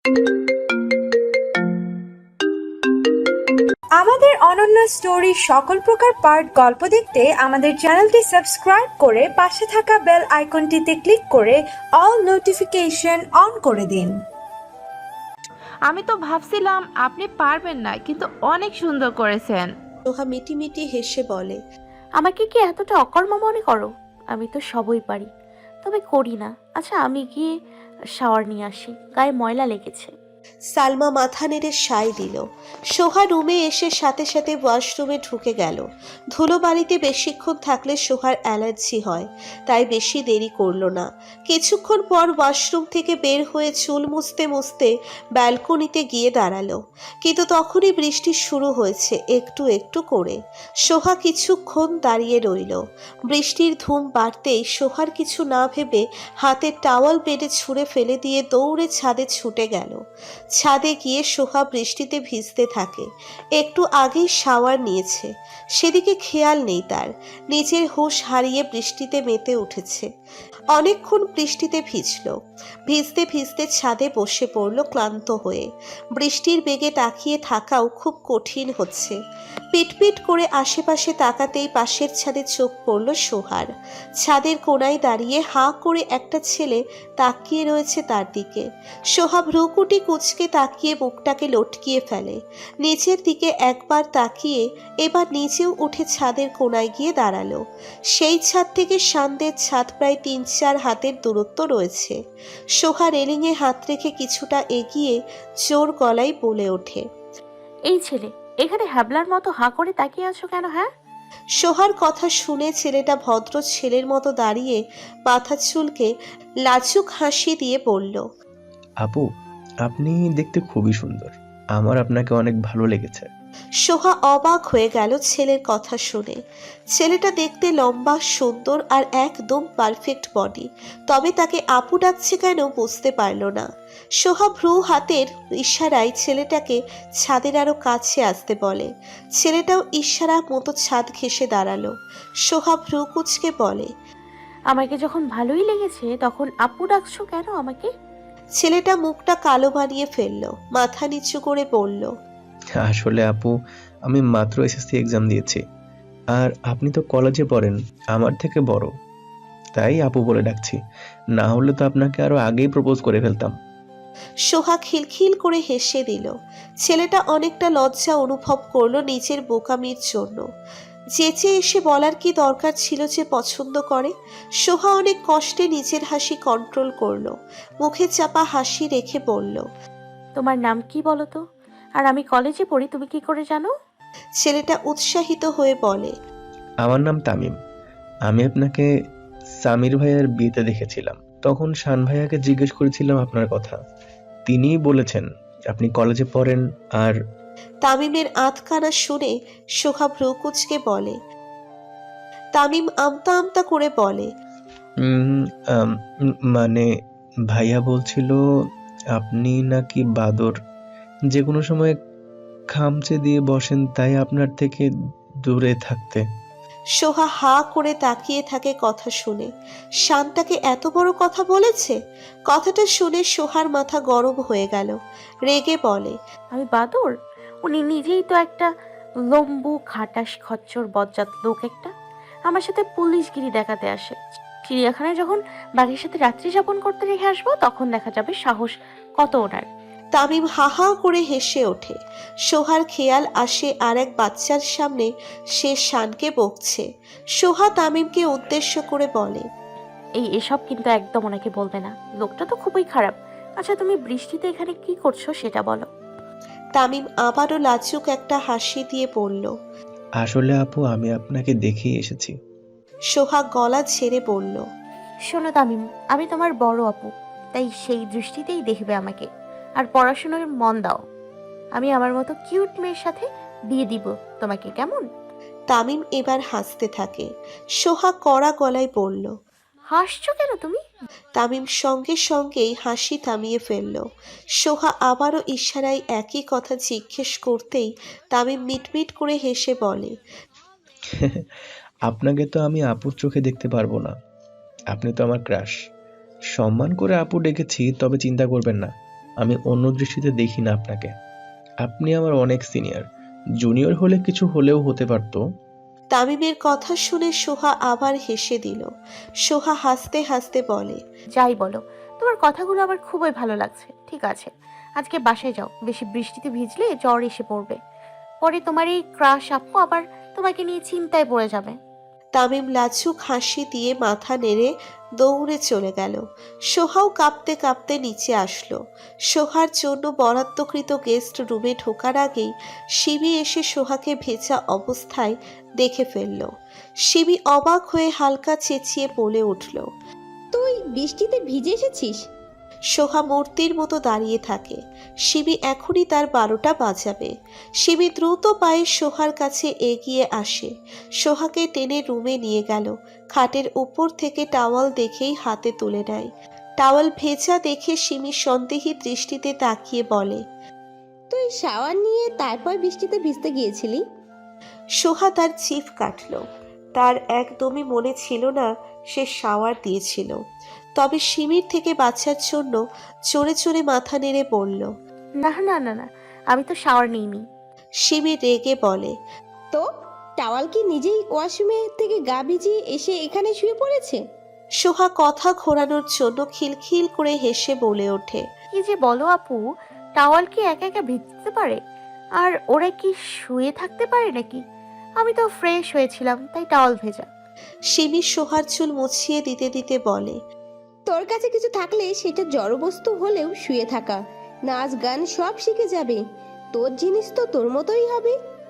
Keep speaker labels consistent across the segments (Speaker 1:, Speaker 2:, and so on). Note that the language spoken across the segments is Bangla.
Speaker 1: আমাদের অনন্য স্টোরি সকল প্রকার পার্ট গল্প দেখতে আমাদের চ্যানেলটি সাবস্ক্রাইব করে পাশে থাকা বেল আইকনটিতে ক্লিক করে অল নোটিফিকেশন অন করে দিন।
Speaker 2: আমি তো ভাবছিলাম আপনি পারবেন না, কিন্তু অনেক সুন্দর করেছেন।
Speaker 3: সোহা মিটি হেসে বলে,
Speaker 4: আমাকে কি এতটা অকর্মা মনে করো? আমি তো সবই পারি, তবে করি না। আচ্ছা, আমি গিয়ে শাওয়ার নিয়ে আসি, গায়ে ময়লা লেগেছে।
Speaker 3: সালমা মাথা নেড়ে সায় দিল। সোহা রুমে এসে সাথে সাথে ওয়াশরুমে ঢুকে গেল। ধুলো বাড়িতে বেশিক্ষণ থাকলে সোহার অ্যালার্জি হয়, তাই বেশি দেরি করলো না। কিছুক্ষণ পর ওয়াশরুম থেকে বের হয়ে চুল মুছতে মুছতে ব্যালকনিতে গিয়ে দাঁড়ালো। কিন্তু তখনই বৃষ্টি শুরু হয়েছে একটু একটু করে। সোহা কিছুক্ষণ দাঁড়িয়ে রইল। বৃষ্টির ধুম বাড়তেই সোহার কিছু না ভেবে হাতের টাওয়াল বেডে ছুঁড়ে ফেলে দিয়ে দৌড়ে ছাদে ছুটে গেল। ছাদে গিয়ে সোহা বৃষ্টিতে ভিজতে থাকে। একটু আগেই শাওয়ার নিয়েছে, সেদিকে খেয়াল নেই তার। নিজের হুঁশ হারিয়ে বৃষ্টিতে মেতে উঠেছে। অনেকক্ষণ বৃষ্টিতে ভিজল। ভিজতে ভিজতে ছাদে বসে পড়ল ক্লান্ত হয়ে। বৃষ্টির বেগে তাকিয়ে থাকাও খুব কঠিন হচ্ছে। পিটপিট করে আশেপাশে তাকাতেই পাশের ছাদে চোখ পড়ল সোহার। ছাদের কোণায় দাঁড়িয়ে হাঁ করে একটা ছেলে তাকিয়ে রয়েছে তার দিকে। সোহা ভ্রুকুটি কুঁচকে তাকিয়ে মুখটাকে লটকিয়ে ফেলে। নিচের দিকে একবার তাকিয়ে এবার নিচেও উঠে ছাদের কোণায় গিয়ে দাঁড়ালো। সেই ছাদ থেকে সান্দের ছাদ প্রায় ৩-৪ হাতের দূরত্ব রয়েছে। সোহা রেলিংয়ে হাত রেখে কিছুটা এগিয়ে জোর গলায় বলে ওঠে,
Speaker 4: এই ছেলে, এখানে হ্যাবলার মতো হাঁ করে তাকিয়ে আছো কেন? হ্যাঁ,
Speaker 3: সোহার কথা শুনে ছেলেটা ভদ্র ছেলের মতো দাঁড়িয়ে মাথা চুলকে লাজুক হাসি দিয়ে বলল,
Speaker 5: আপু, আপনি দেখতে খুবই সুন্দর। আমার আপনাকে অনেক ভালো লেগেছে।
Speaker 3: সোহা অবাক হয়ে গেল ছেলের কথা শুনে। ছেলেটা দেখতে লম্বা, সুন্দর আর একদম পারফেক্ট বডি, তবে তাকে আপু ডাকছে কেন বুঝতে পারল না। সোহা ভ্রু হাতের ইশারায় ছেলেটাকে ছাদের আরো কাছে আসতে বলে। ছেলেটাও ইশারা মতো ছাদ ঘেঁষে দাঁড়ালো। সোহা ভ্রু কুঁচকে বলে,
Speaker 4: আমাকে যখন ভালোই লেগেছে তখন আপু ডাকছো কেন আমাকে?
Speaker 3: ছেলেটা মুখটা কালো বানিয়ে ফেললো, মাথা নিচু করে বলল,
Speaker 5: আসলে আপু, আমি মাত্র এসএসসি এক্সাম দিয়েছি, আর আপনি তো কলেজে পড়েন, আমার থেকে বড়, তাই আপু বলে ডাকছি। না হলে তো আপনাকে আরো আগেই প্রপোজ করে ফেলতাম।
Speaker 3: সোহা খিলখিল করে হেসে দিল। ছেলেটা অনেকটা লজ্জা অনুভব করলো নিজের বোকামির জন্য। যেচে এসে বলার কি দরকার ছিল যে পছন্দ করে। সোহা অনেক কষ্টে নিজের হাসি কন্ট্রোল করলো। মুখে চাপা হাসি রেখে বলল,
Speaker 4: তোমার নাম কি বলো তো? আর আমি কলেজে পড়ি, তুমি কি করে জানো?
Speaker 3: ছেলেটা উৎসাহিত হয়ে বলে,
Speaker 5: আমার নাম তামিম। আমি আপনাকে সামির ভাইয়ার বিয়েতে দেখেছিলাম, তখন শান ভাইয়াকে জিজ্ঞেস করেছিলাম আপনার কথা। তিনিই বলেছেন আপনি কলেজে পড়েন। আর
Speaker 3: তামিমের আধখানা শুনে সোহা ভ্রু কুঁচকে বলে, তামিম আমতা আমতা করে বলে,
Speaker 5: উম, আম, মানে ভাইয়া বলছিল আপনি নাকি বাদর, যে কোনো সময় খামচে দিয়ে বসেন, তাই আপনার থেকে দূরে থাকতে।
Speaker 3: সোহা হা করে তাকিয়ে থাকে কথা শুনে। শান্তাকে এত বড় কথা বলেছে? কথাটা শুনে সোহার মাথা গরম হয়ে গেল। রেগে বলে,
Speaker 4: আমি বাদর? উনি নিজেই তো একটা লম্বু খাটাস খচ্চর বজ্জাত লোক একটা। আমার সাথে পুলিশগিরি দেখাতে আসে। চিড়িয়াখানায় যখন বাঘের সাথে রাত্রি যাপন করতে রেখে আসবো তখন দেখা যাবে সাহস কত ওনার।
Speaker 3: তামিম হা হা করে হেসে ওঠে। সোহার খেয়াল আসে আর এক বাচ্চার সামনে সে শানকে বকছে। সোহা তামিমকে উদ্দেশ্য করে বলে,
Speaker 4: এসব কিন্তু একদম ওনাকে বলবে না, লোকটা তো খুবই খারাপ। আচ্ছা, তুমি বৃষ্টিতে এখানে কি করছো সেটা বলো।
Speaker 3: তামিম আবারও লাজুক একটা হাসি দিয়ে বলল,
Speaker 5: আসলে আপু, আমি আপনাকে দেখেই এসেছি।
Speaker 3: সোহা গলা ছেড়ে বলল,
Speaker 4: শোনো তামিম, আমি তোমার বড় আপু, তাই সেই দৃষ্টিতেই দেখবে আমাকে। আর পড়াশোনায় মন দাও। আমি আমার মতো কিউট মেয়ের সাথে বিয়ে দিব তোমাকে, কেমন?
Speaker 3: তামিম এবার হাসতে থাকে। সোহা কড়া গলায় বলল,
Speaker 4: হাসছো কেন তুমি?
Speaker 3: তামিম সঙ্গে সঙ্গেই হাসি থামিয়ে ফেলল। সোহা আবারও ইশারায় একই কথা জিজ্ঞেস করতেই তামিম মিটমিট করে হেসে বলে,
Speaker 5: আপনাকে তো আমি আপুর চোখে দেখতে পারবো না, আপনি তো আমার ক্রাশ। সম্মান করে আপু ডেকেছি, তবে চিন্তা করবেন না, আমি অন্য দৃষ্টিতে দেখি না আপনাকে। আপনি আমার অনেক সিনিয়র। জুনিয়র হলে কিছু হলেও হতে পারতো।
Speaker 3: তামিমের কথা শুনে সোহা আবার হেসে দিল। সোহা হাসতে হাসতে বলে,
Speaker 4: যাই বলো, তোমার কথাগুলো আমার খুবই ভালো লাগছে। ঠিক আছে, আজকে বাসায় যাও, বেশি বৃষ্টিতে ভিজলে জ্বর এসে পড়বে। পরে তোমার এই ক্রাশ আপু আবার তোমাকে নিয়ে চিন্তায় পড়ে যাবে।
Speaker 3: তামিম লাজুক হাসি দিয়ে মাথা নেড়ে দৌড়ে চলে গেল। সোহাও কাঁপতে কাঁপতে নিচে আসলো। সোহার জন্য বরাদ্দকৃত গেস্ট রুমে ঢোকার আগেই শিবি এসে সোহাকে ভেজা অবস্থায় দেখে ফেলল। শিবি অবাক হয়ে হালকা চেঁচিয়ে বলে উঠল।
Speaker 6: তুই বৃষ্টিতে ভিজে এসেছিস?
Speaker 3: সোহা মূর্তির মতো দাঁড়িয়ে থাকে। শিবি এখনই তার 12টা বাজাবে। শিবি দ্রুত পায়ে সোহার কাছে এগিয়ে আসে, সোহাকে টেনে রুমে নিয়ে গেল। খাটের উপর থেকে টাওয়াল দেখেই হাতে তুলে নেয়। টাওয়াল ভেজা দেখে শিমি সন্দেহী দৃষ্টিতে তাকিয়ে বলে,
Speaker 6: তুই শাওয়ার নিয়ে তারপর বৃষ্টিতে ভিজতে গিয়েছিলি?
Speaker 3: সোহা তার জিভ কাটল। তার একদমই মনে ছিল না সে শাওয়ার দিয়েছিল। তবে শিমির থেকে বাঁচার জন্য চড়ে চড়ে মাথা নেড়ে বলল।
Speaker 4: না না না না, আমি তো শাওয়ার নিইনি।
Speaker 3: শিমি রেগে বলে,
Speaker 6: তো টাওয়াল কি নিজেই ওয়াশরুমে থেকে গা ভিজিয়ে এসে এখানে শুয়ে পড়েছে?
Speaker 3: সোহা কথা ঘোরানোর জন্য খিলখিল করে হেসে বলে ওঠে,
Speaker 4: কি যে বলো আপু, টাওয়াল কি একা একা ভিজতে পারে? আর ওরা কি শুয়ে থাকতে পারে নাকি? আমি তো ফ্রেশ হয়েছিলাম, তাই টাওয়াল ভেজা।
Speaker 3: শিমি সোহার চুল মুছিয়ে দিতে দিতে বলে,
Speaker 6: তোর কাছে কিছু থাকলে সেটা জড়বস্তু হলেও শুয়ে থাকা, নাচ গান সব শিখে যাবে। তোর জিনিস তো তোর মতোই হবে।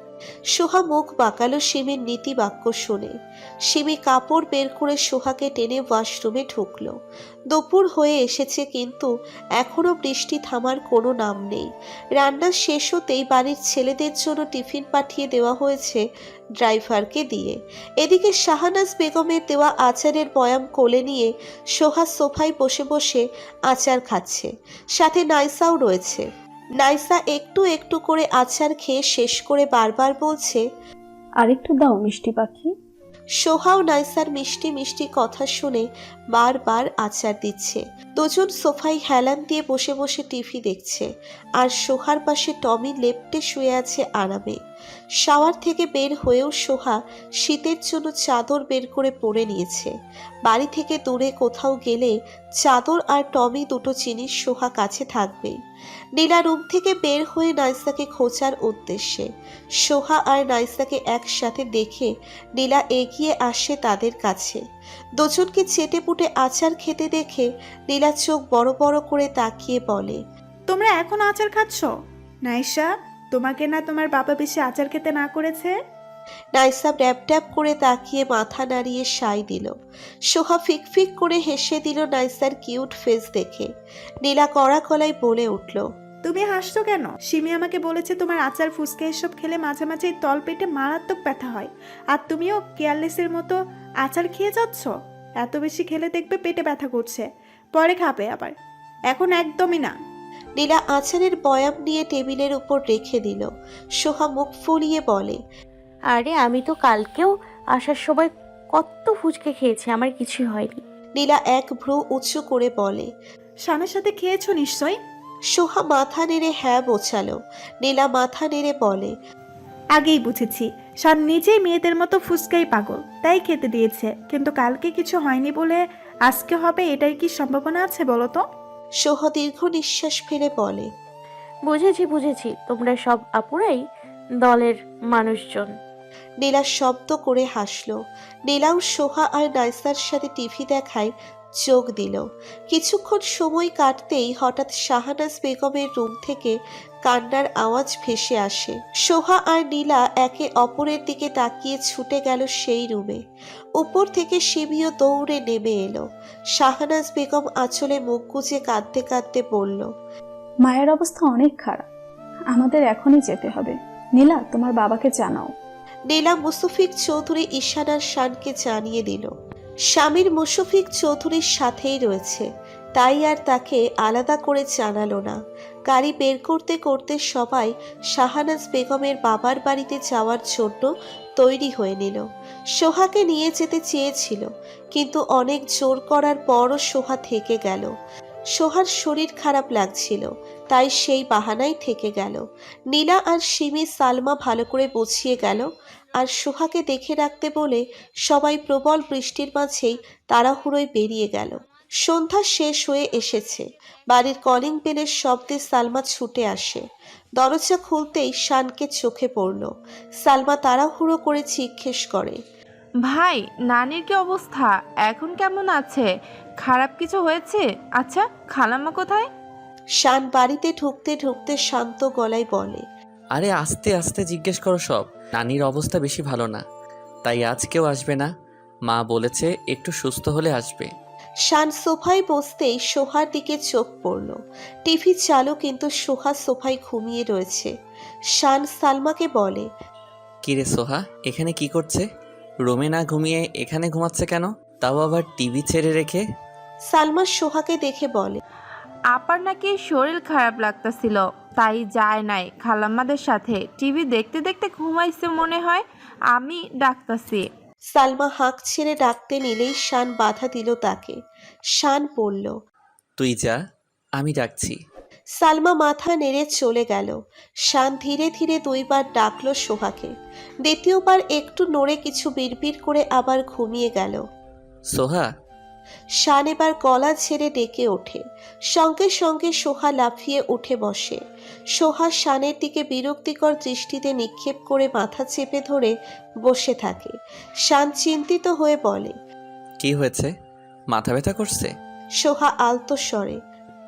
Speaker 3: সোহা মুখ বাঁকালো শিমির নীতি বাক্য শুনে। শিমি কাপড় বের করে সোহাকে টেনে ওয়াশরুমে ঢুকলো। দুপুর হয়ে এসেছে, কিন্তু এখনো বৃষ্টি থামার কোনো নাম নেই। রান্না শেষ হতেই বাড়ির ছেলেদের জন্য টিফিন পাঠিয়ে দেওয়া হয়েছে ড্রাইভারকে দিয়ে। এদিকে শাহানাজ বেগমের দেওয়া আচারের বয়াম কোলে নিয়ে সোহা সোফায় বসে বসে আচার খাচ্ছে। সাথে নাইসাও রয়েছে। নাইসা একটু একটু করে আচার খেয়ে শেষ করে বারবার বলছে,
Speaker 7: আরেকটু দাও মিষ্টি পাখি।
Speaker 3: সোহাও নাইসার মিষ্টি মিষ্টি কথা শুনে বারবার আচার দিচ্ছে। দুজন সোফায় হেলান দিয়ে বসে বসে টিভি দেখছে, আর সোহার পাশে টমি লেপ্টে শুয়ে আছে আরামে। শাওয়ার থেকে বের হয়েও সোহা শীতের জন্য চাদর বের করে পরে নিয়েছে। বাড়ি থেকে দূরে কোথাও গেলে চাদর আর টমি দুটো জিনিস সোহা কাছে থাকবেই। নীলা রুম থেকে বের হয়ে নাইসাকে খোঁজার উদ্দেশ্যে। সোহা আর নাইসাকে একসাথে দেখে নীলা এগিয়ে আসে তাদের কাছে। দুজনকে চেটেপুটে আচার খেতে দেখে নীলা চোখ বড় বড় করে তাকিয়ে বলে,
Speaker 1: তোমরা এখন আচার খাচ্ছ? নাইসা, তোমাকে না তোমার বাবা বেশি আচার খেতে না করেছে?
Speaker 3: নাইসা ড্যাব ড্যাব করে তাকিয়ে মাথা নাড়িয়ে সাই দিল। সোহা ফিকফিক করে হেসে দিল নাইসার কিউট ফেস দেখে। নীলা কড়া গলায় বলে উঠল,
Speaker 1: তুমি হাসছো কেন? সিমি আমাকে বলেছে তোমার আচার ফুসকা এসব খেলে মাঝে মাঝে তল পেটে মারাত্মক ব্যথা হয়, আর তুমিও কেয়ারলেসের মতো আচার খেয়ে যাচ্ছ। এত বেশি খেলে দেখবে পেটে ব্যথা করছে, পরে খাবে আবার, এখন একদমই না।
Speaker 3: নীলা আচারের বয়াম নিয়ে টেবিলের উপর রেখে দিল। সোহা মুখ ফুলিয়ে বলে,
Speaker 4: আরে আমি তো কালকেও আসার সময় কত ফুচকে খেয়েছি, আমার কিছুই হয়নি।
Speaker 3: নীলা এক ভ্রু উঁচু করে বলে,
Speaker 1: স্বামীর সাথে খেয়েছো নিশ্চয়ই?
Speaker 3: সোহা মাথা নেড়ে হ্যাঁ বোঝালো। নীলা মাথা নেড়ে বলে,
Speaker 1: আগেই বুঝেছি, শান নিজেই মেয়েদের মতো ফুসকাই পাগল, তাই খেতে দিয়েছে। কিন্তু কালকে কিছু হয়নি বলে আজকে হবে, এটাই কি সম্ভাবনা আছে বলো তো?
Speaker 3: সোহা দীর্ঘ নিঃশ্বাস ফেলে বলে,
Speaker 4: বুঝেছি বুঝেছি, তোমরা সব আপুরাই দলের মানুষজন।
Speaker 3: নীলা শব্দ করে হাসলো। নীলাও সোহা আর নাইসার সাথে টিভি দেখায় যোগ দিল। কিছুক্ষণ সময় কাটতেই হঠাৎ শাহানাজ বেগমের রুম থেকে কান্নার আওয়াজ ভেসে আসে। সোহা আর নীলা একে অপরের দিকে তাকিয়ে ছুটে গেল সেই রুমে। উপর থেকে শিবিও দৌড়ে নেমে এলো। শাহানাজ বেগম আঁচলে মুখ গুজে কাঁদতে কাঁদতে বলল,
Speaker 7: মায়ের অবস্থা অনেক খারাপ, আমাদের এখনই যেতে হবে। নীলা, তোমার বাবাকে জানাও।
Speaker 3: নীলা মুশফিক চৌধুরী ঈশানার শানকে জানিয়ে দিল। স্বামীর মুশফিক চৌধুরীর সাথেই রয়েছে, তাই আর তাকে আলাদা করে জানালো না। গাড়ি বের করতে করতে সবাই শাহানাজ বেগমের বাবার বাড়িতে যাওয়ার জন্য তৈরি হয়ে নিল। সোহাকে নিয়ে যেতে চেয়েছিল, কিন্তু অনেক জোর করার পরও সোহা থেকে গেল। সোহার শরীর খারাপ লাগছিল, তাই সেই বাহানাই থেকে গেল। নীলা আর সিমি সালমা ভালো করে বুঝিয়ে গেল, আর সোহাকে দেখে রাখতে বলে সবাই প্রবল বৃষ্টির মাঝেই তাড়াহুড়োয় বেরিয়ে গেল। সন্ধ্যা শেষ হয়ে এসেছে। বাড়ির কলিং বেলের শব্দে সালমা ছুটে আসে। দরজা খুলতেই শানকে চোখে পড়ল। সালমা তাড়াহুড়ো করে জিজ্ঞেস করে,
Speaker 2: ভাই, নানির কি অবস্থা? এখন কেমন আছে? খারাপ কিছু হয়েছে? আচ্ছা, খালাম্মা কোথায়?
Speaker 3: শান বাড়িতে ঢুকতে ঢুকতে শান্ত গলায় বলে,
Speaker 8: আরে আস্তে আস্তে জিজ্ঞেস করো সব। নানির অবস্থা বেশি ভালো না, তাই আজ কেউ আসবে না। মা বলেছে একটু সুস্থ হলে আসবে।
Speaker 3: শান সোফায় বসতেই সোহার দিকে চোখ পড়ল। টিভি চালু, কিন্তু সোহা সোফায় ঘুমিয়ে রয়েছে। শান সালমাকে বলে,
Speaker 8: কিরে সোহা, এখানে কি করছে? রুমে না ঘুমিয়ে এখানে ঘুমাচ্ছে কেন? তাও আবার টিভি ছেড়ে রেখে।
Speaker 3: সালমা সোহাকে দেখে বলে,
Speaker 2: আপার নাকি শরীর খারাপ লাগতেছিল, তাই যায় নাই খালাম্মাদের সাথে। টিভি দেখতে দেখতে ঘুমাইছে মনে হয়। আমি ডাকতাছি।
Speaker 3: সালমা হাঁক ছেড়ে ডাকতে নিলেই শান বাধা দিল তাকে। শান বলল,
Speaker 8: তুই যা, আমি ডাকছি।
Speaker 3: সালমা মাথা নেড়ে চলে গেল। শান ধীরে ধীরে 2বার ডাকলো সোহাকে। দ্বিতীয়বার একটু নড়ে কিছু বিড়বিড় করে আবার ঘুমিয়ে গেল।
Speaker 8: সোহা।
Speaker 3: শান এবার গলা ছেড়ে ডেকে ওঠে। সঙ্গে সঙ্গে সোহা লাফিয়ে উঠে বসে। সোহা শানের দিকে বিরক্তিকর দৃষ্টিতে নিক্ষেপ করে মাথা চেপে ধরে বসে থাকে। শান চিন্তিত হয়ে বলে,
Speaker 8: কি হয়েছে? মাথা ব্যথা করছে?
Speaker 3: সোহা আলতো স্বরে।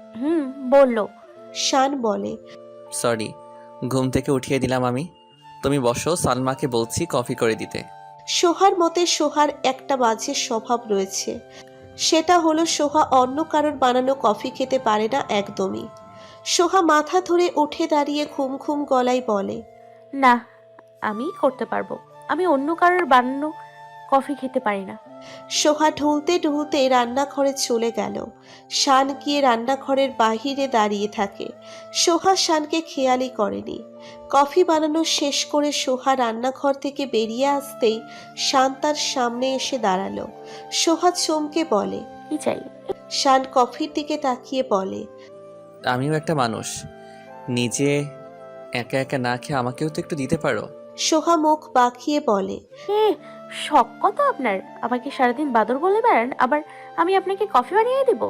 Speaker 4: বললো।
Speaker 3: শান বলে,
Speaker 8: সরি, ঘুম থেকে উঠিয়ে দিলাম আমি। তুমি বসো, সালমাকে বলছি কফি করে দিতে।
Speaker 3: সোহার মতে সোহার একটা বাজে স্বভাব রয়েছে। সেটা হলো সোহা অন্য কারোর বানানো কফি খেতে পারে না একদমই। সোহা মাথা ধরে উঠে দাঁড়িয়ে ঘুম ঘুম গলায় বলে,
Speaker 4: না, আমি করতে পারবো। আমি অন্য কারোর বানানো কফি খেতে পারি না।
Speaker 3: সোহা ঢুলতে ঢুলতে রান্নাঘরে চলে গেল। শান গিয়ে রান্নাঘরের বাহিরে দাঁড়িয়ে থাকে। সোহা শানকে খেয়ালই করেনি। কফি বানানো শেষ করে সোহা রান্নাঘর থেকে বেরিয়ে আসতেই শান তার সামনে এসে দাঁড়ালো। সোহা চমকে বলে,
Speaker 4: কি চাই?
Speaker 3: শান কফির দিকে তাকিয়ে বলে,
Speaker 8: আমিও একটা মানুষ, নিজে একা একা না খেয়ে আমাকেও তো একটু দিতে পারো।
Speaker 3: সোহা মুখ বাঁকিয়ে বলে,
Speaker 4: শখ কত আপনার? আমাকে সারাদিন বাদর বলে বেড়ান, আবার আমি আপনাকে কফি বানিয়ে দেব?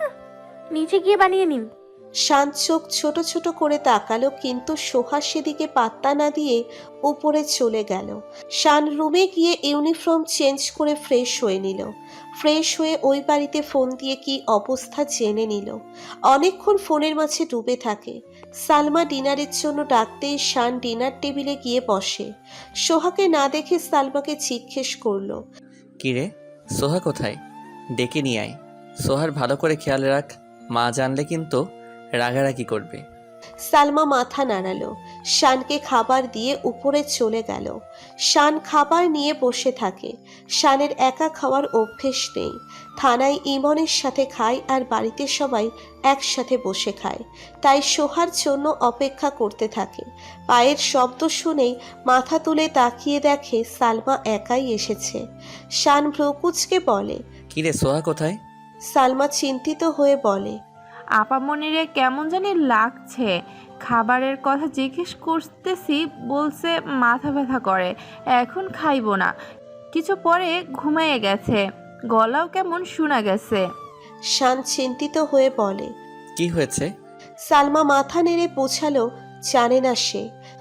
Speaker 4: নিচে গিয়ে বানিয়ে নিন।
Speaker 3: শান চোখ ছোট ছোট করে তাকালো, কিন্তু সোহা সেদিকে পাত্তা না দিয়ে উপরে চলে গেল। শান রুমে গিয়ে ইউনিফর্ম চেঞ্জ করে ফ্রেশ হয়ে নিল। ফ্রেশ হয়ে ওই বাড়িতে ফোন দিয়ে কি অবস্থা জেনে নিল। অনেকক্ষণ ফোনের মাঝে ডুবে থাকে। সালমা ডিনারের জন্য ডাকতেই শান ডিনার টেবিলে গিয়ে বসে। সোহাকে না দেখে সালমাকে জিজ্ঞেস করলো,
Speaker 8: কিরে, সোহা কোথায়? ডেকে নিয়ে আয়। সোহার ভালো করে খেয়াল রাখ, মা জানলে কিন্তু রাগারাগি করবে।
Speaker 3: সালমা মাথা নাড়ালো। শানকে খাবার দিয়ে উপরে চলে গেল। শান খাবার নিয়ে বসে থাকে। শানের একা খাওয়ার অভ্যেস নেই। থানায় ইমনের সাথে খায়, আর বাড়িতে সবাই একসাথে বসে খায়। তাই সোহার জন্য অপেক্ষা করতে থাকে। পায়ের শব্দ শুনেই মাথা তুলে তাকিয়ে দেখে সালমা একাই এসেছে। শান ভ্রকুচকে বলে,
Speaker 8: কিরে, সোহা কোথায়?
Speaker 3: সালমা চিন্তিত হয়ে বলে,
Speaker 2: আপামনিরে কেমন জানি লাগছে। খাবারের কথা জিজ্ঞেস করতেছি, বলছে মাথা ব্যথা করে, এখন খাইবো না। কিছু পরে ঘুমিয়ে গেছে, গলাও কেমন শোনা গেছে।
Speaker 3: শান চিন্তিত হয়ে বলে,
Speaker 8: কি হয়েছে?
Speaker 3: সালমা মাথা নেড়ে বোঝালো জানে না সে।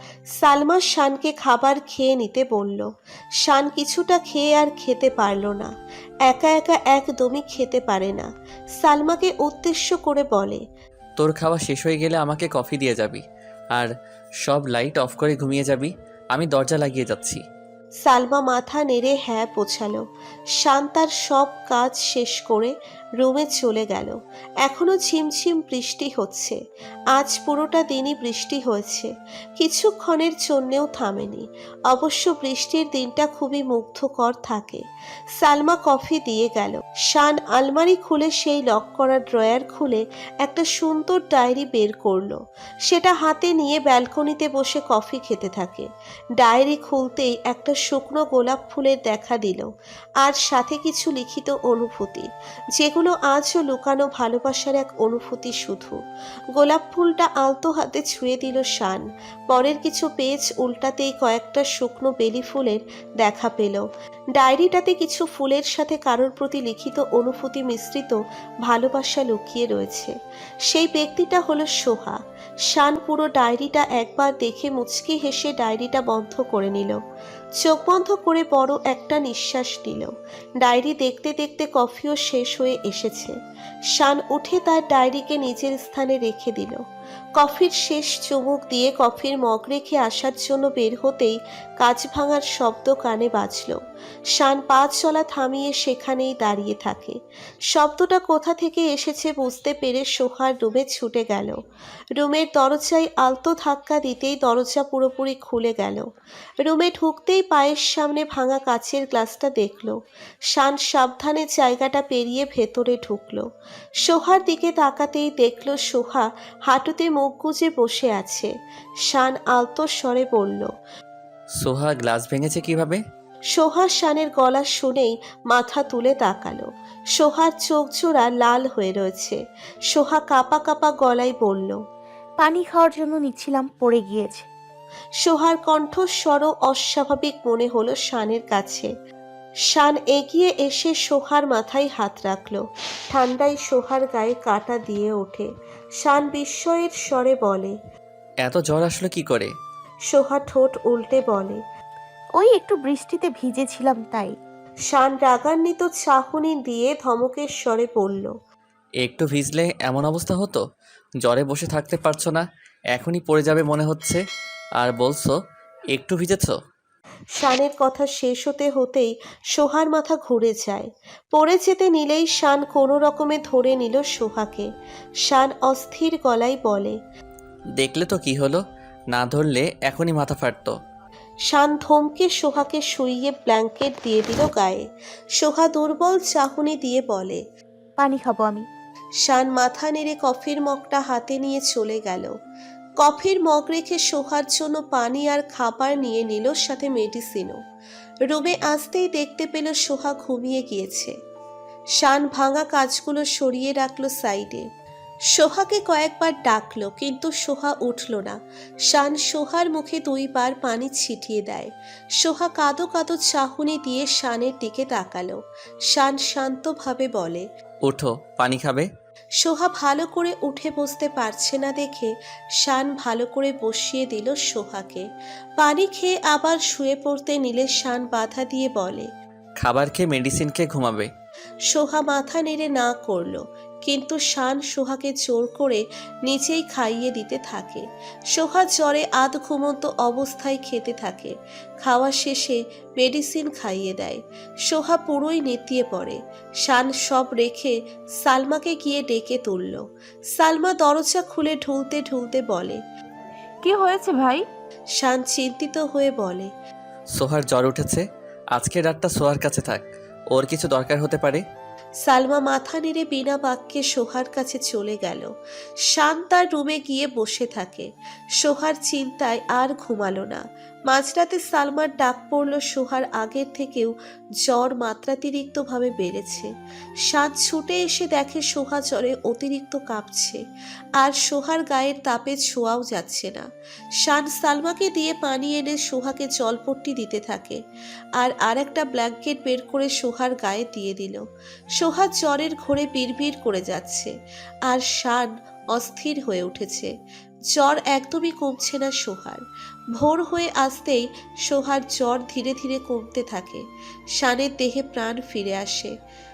Speaker 3: সালমা শানকে খাবার খেয়ে নিতে বলল। শান কিছুটা খেয়ে আর খেতে পারল না। একা একা একদমই খেতে পারে না। সালমাকে উদ্দেশ্য করে বলে,
Speaker 8: তোর খাওয়া শেষ হয়ে গেলে আমাকে কফি দিয়ে যাবি, আর সব লাইট অফ করে ঘুমিয়ে যাবি। আমি দরজা লাগিয়ে যাচ্ছি।
Speaker 3: সালমা মাথা নেড়ে হ্যাঁ বোঝালো। শান তার সব কাজ শেষ করে রুমে চলে গেল। এখনো ঝিমঝিম বৃষ্টি হচ্ছে। আজ পুরোটা দিনই বৃষ্টি হয়েছে, কিছুক্ষণের জন্যেও থামেনি। অবশ্য বৃষ্টির দিনটা খুবই মুগ্ধকর থাকে। সালমা কফি দিয়ে গেল। শান আলমারি খুলে সেই লক করা ড্রয়ার খুলে একটা সুন্দর ডায়েরি বের করলো। সেটা হাতে নিয়ে ব্যালকনিতে বসে কফি খেতে থাকে। ডায়েরি খুলতেই একটা শুকনো গোলাপ ফুলের দেখা দিল, আর সাথে কিছু লিখিত অনুভূতি, যেগুলো হলো আজও লুকানো ভালোবাসার এক অনুভূতি শুধু। গোলাপ ফুলটা আলতো হাতে ছুঁয়ে দিল শান। পরের কিছু পেজ উল্টাতেই কয়েকটা শুকনো বেলি ফুলের দেখা পেল। ডায়েরিটাতে কিছু ফুলের সাথে কারোর প্রতি লিখিত অনুভূতি মিশ্রিত ভালোবাসা লুকিয়ে রয়েছে। সেই ব্যক্তিটা হলো সোহা। শান পুরো ডায়েরিটা একবার দেখে মুচকি হেসে ডায়েরিটা বন্ধ করে নিল। চোখ বন্ধ করে বড় একটা নিঃশ্বাস নিল। ডায়েরি দেখতে দেখতে কফিও শেষ হয়ে এসেছে। শান উঠে তার ডায়েরিকে নিজের স্থানে রেখে দিল। কফির শেষ চুমুক দিয়ে কফির মগ রেখে আসার জন্য বের হতেই কাঁচ ভাঙার শব্দ কানে বাজল। শান পা চলা থামিয়ে সেখানেই দাঁড়িয়ে থাকে। শব্দটা কোথা থেকে এসেছে বুঝতে পেরে সোহার রুমে ছুটে গেল। রুমের দরজায় আলতো ধাক্কা দিতেই দরজা পুরোপুরি খুলে গেল। রুমে ঢুকতেই পায়ের সামনে ভাঙা কাচের গ্লাসটা দেখল। শান সাবধানে জায়গাটা পেরিয়ে ভেতরে ঢুকল। সোহার দিকে তাকাতেই দেখল সোহা হাঁটুতে মুখ গুজে বসে আছে। শান আলতো স্বরে বলল,
Speaker 8: সোহা গ্লাস ভেঙেছে কিভাবে?
Speaker 3: সোহা শানের গলা শুনেই মাথা তুলে তাকালো। সোহার চোখ জোড়া লাল হয়ে রয়েছে। সোহা কাঁপা কাঁপা গলায় বলল,
Speaker 4: পানি খাওয়ার জন্য নিচ্ছিলাম, পড়ে গিয়েছে।
Speaker 3: সোহার কণ্ঠস্বরও অস্বাভাবিক মনে হলো শানের কাছে। শান এগিয়ে এসে সোহার মাথায় হাত রাখল। ঠান্ডায় সোহার গায়ে কাঁটা দিয়ে ওঠে। শান বিস্ময়ের স্বরে বলে,
Speaker 8: এত জ্বর আসলো কি করে?
Speaker 3: সোহা ঠোঁট উল্টে বলে,
Speaker 4: ওই একটু বৃষ্টিতে ভিজেছিলাম তাই।
Speaker 3: শান রাগান্বিত চাহনি দিয়ে ধমকের স্বরে বলল,
Speaker 8: একটু ভিজলে এমন অবস্থা হতো? জ্বরে বসে থাকতে পারছো না, এখনই পড়ে যাবে মনে হচ্ছে, আর বলছো একটু ভিজেছ?
Speaker 3: শানের কথা শেষ হতে হতেই সোহার মাথা ঘুরে যায়। পড়ে যেতে নিলেই শান কোনো রকমে ধরে নিল সোহাকে। শান অস্থির গলায় বলে,
Speaker 8: দেখলে তো কি হলো, না ধরলে এখনই মাথা ফাটতো।
Speaker 3: শান ধমকে সোহাকে শুইয়ে ব্ল্যাঙ্কেট দিয়ে দিল গায়ে। সোহা দুর্বল চাহনি দিয়ে বলে,
Speaker 4: পানি খাবো আমি।
Speaker 3: শান মাথা নেড়ে কফির মগটা হাতে নিয়ে চলে গেল। কফির মগ রেখে সোহার জন্য পানি আর খাবার নিয়ে নিল, সাথে মেডিসিনও। রুমে আসতেই দেখতে পেল সোহা ঘুমিয়ে গিয়েছে। শান ভাঙা কাজগুলো সরিয়ে রাখলো সাইডে। সোহাকে কয়েকবার ডাকলো কিন্তু সোহা উঠল না। শান সোহার মুখে 2 বার পানি ছিটিয়ে দেয়। সোহা কাঁদো কাঁদো চাহনি দিয়ে শানের দিকে তাকালো। শান শান্তভাবে বলে,
Speaker 8: ওঠো, পানি খাবে।
Speaker 3: সোহা ভালো করে উঠে বসতে পারছে না দেখে শান ভালো করে বসিয়ে দিল সোহাকে। পানি খেয়ে আবার শুয়ে পড়তে নিলে শান বাধা দিয়ে বলে,
Speaker 8: খাবার খেয়ে মেডিসিন খেয়ে ঘুমাবে।
Speaker 3: সোহা মাথা নেড়ে না করলো, কিন্তু শান সোহাকে জোর করে নিচেই খাইয়ে দিতে থাকে। সোহা জ্বরে আধ ঘুমন্ত অবস্থায় খেতে থাকে। খাওয়া শেষে মেডিসিন খাইয়ে দেয়। সোহা পুরোই নেতিয়ে পড়ে। শান সব রেখে সালমাকে গিয়ে ডেকে তুলল। সালমা দরজা খুলে ঢুলতে ঢুলতে বলে,
Speaker 2: কি হয়েছে ভাই?
Speaker 3: শান চিন্তিত হয়ে বলে,
Speaker 8: সোহার জ্বর উঠেছে, আজকে রাতটা সোহার কাছে থাক, ওর কিছু দরকার হতে পারে।
Speaker 3: সালমা মাথা নেড়ে বিনা বাক্যে সোহার কাছে চলে গেল। শান তার রুমে গিয়ে বসে থাকে। সোহার চিন্তায় আর ঘুমালো না। মাঝরাতে সালমার ডাক পড়ল। সোহার আগের থেকেও জ্বর মাত্রাতিরিক্তভাবে বেড়েছে। শান ছুটে এসে দেখে সোহা জ্বরে অতিরিক্ত কাঁপছে, আর সোহার গায়ের তাপে ছোঁয়াও যাচ্ছে না। শান সালমাকে দিয়ে পানি এনে সোহাকে জলপট্টি দিতে থাকে, আর একটা ব্ল্যাঙ্কেট বের করে সোহার গায়ে দিয়ে দিল। সোহা জ্বরের ঘোরে বিড়বিড় করে যাচ্ছে, আর শান অস্থির হয়ে উঠেছে। জ্বর একদমই কমছে না সোহার। ভোর হয়ে আসতেই সোহার জ্বর ধীরে ধীরে কমতে থাকে। শানের দেহে প্রাণ ফিরে আসে।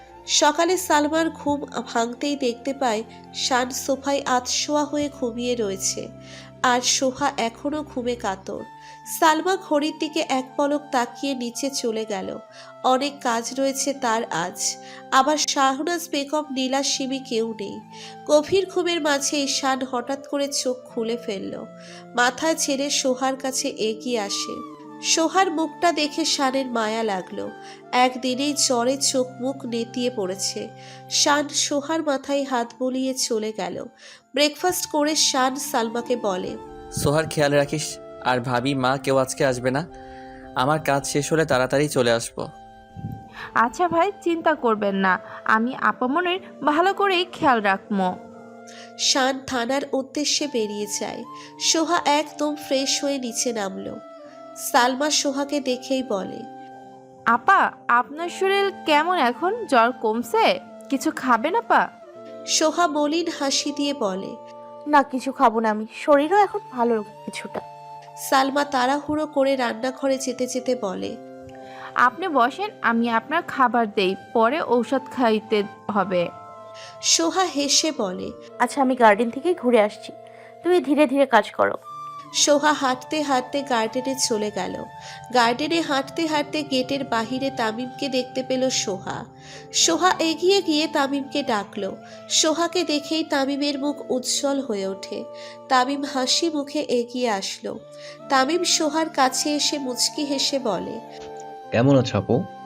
Speaker 3: সকালে সালমার ঘুম ভাঙতেই দেখতে পায় শান সোফায় আধশোয়া হয়ে ঘুমিয়ে রয়েছে, আর সোহা এখনো ঘুমে কাতর। সালমা ঘড়ির দিকে এক পলক তাকিয়ে নিচে চলে গেল। অনেক কাজ রয়েছে তার আজ। আবার শাহনাজ বেগম, নীলা, সিমি কেউ নেই। গভীর ঘুমের মাঝে শান হঠাৎ করে চোখ খুলে ফেলল। মাথা ছেড়ে সোহার কাছে এগিয়ে আসে। সোহার মুখটা দেখে শানের মায়া লাগলো। একদিনেই জ্বরে চোখ মুখ নেতিয়ে পড়েছে। শান সোহার মাথায় হাত বুলিয়ে চলে গেল। ব্রেকফাস্ট করে শান সালমাকে বলে,
Speaker 8: সোহার খেয়াল রাখিস, আর ভাবি মা কেউ আজকে আসবে না, আমার কাজ শেষ হলে তাড়াতাড়ি চলে আসবো।
Speaker 2: আচ্ছা ভাই, চিন্তা করবেন না, আমি আপামনির ভালো করেই খেয়াল রাখবো।
Speaker 3: শান থানার উদ্দেশ্যে বেরিয়ে যায়। সোহা একদম ফ্রেশ হয়ে নিচে নামলো। সালমা সোহাকে দেখেই বলে,
Speaker 2: আপা, আপনার শরীর কেমন এখন? জ্বর কমছে? কিছু খাবেন আপা?
Speaker 3: সোহা মলিন হাসি দিয়ে বলে।
Speaker 4: না, কিছু খাবো না আমি, শরীরও এখন ভালো কিছুটা।
Speaker 3: সালমা তাড়াহুড়ো করে রান্নাঘরে যেতে যেতে বলে,
Speaker 2: আপনি বসেন, আমি আপনার খাবার দেই, পরে ঔষধ খাইতে হবে।
Speaker 3: সোহা হেসে বলে।
Speaker 4: আচ্ছা, আমি গার্ডেন থেকেই ঘুরে আসছি, তুমি ধীরে ধীরে কাজ করো।
Speaker 3: সোহা হাঁটতে হাঁটতে গার্ডেনে চলে গেল। গার্ডেনে হাঁটতে হাঁটতে গেটের বাহিরে তামিমকে দেখতে পেল সোহা। সোহা এগিয়ে গিয়ে তামিমকে ডাকলো। সোহাকে দেখেই তামিমের মুখ উজ্জ্বল হয়ে ওঠে। তামিম হাসি মুখে এগিয়ে আসলো। তামিম সোহার কাছে এসে মুচকি হেসে বলে,
Speaker 5: কেমন আছো আপু?